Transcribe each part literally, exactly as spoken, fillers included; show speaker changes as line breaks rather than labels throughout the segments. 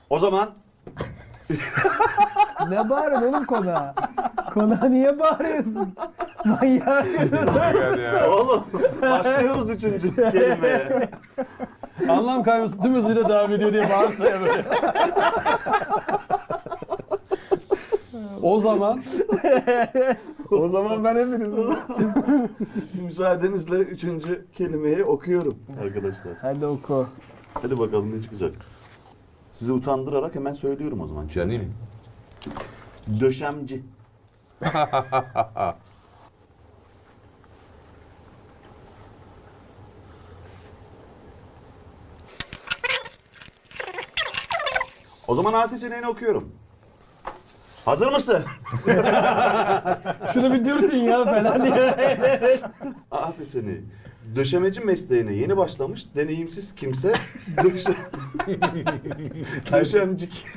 O zaman
Ne bağırıyorsun oğlum konağa? Konağa niye bağırıyorsun? Manyak.
Gel ya.
oğlum başlıyoruz üçüncü kelimeye.
Anlam kayması tüm hızıyla devam ediyor diye bağırsa ya böyle. O zaman
O zaman ben hepinizim.
Müsaadenizle üçüncü kelimeyi okuyorum arkadaşlar.
Hadi oku.
Hadi bakalım ne çıkacak. Sizi utandırarak hemen söylüyorum o zaman.
Canım.
Döşemci. O zaman A seçeneğini okuyorum. Hazır mısın?
Şunu bir dürtün ya falan diye.
A seçeneği. Döşemeci mesleğine yeni başlamış deneyimsiz kimse döşe... Döşemcik.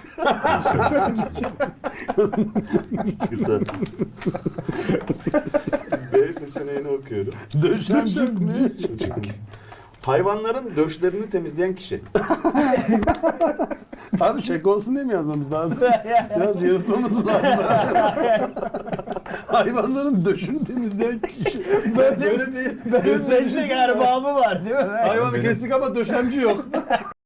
Güzel. B seçeneğini okuyorum.
döşemcik mi?
Hayvanların döşlerini temizleyen kişi.
Abi şaka olsun diye mi yazmamız lazım? Biraz yaratmamız mı lazım? Hayvanların döşünü temizleyen kişi.
Böyle-
Böyle bir
Böyle
gösterişi
meslek
var.
erbabı var değil mi?
Hayvanı kestik ama döşemci yok.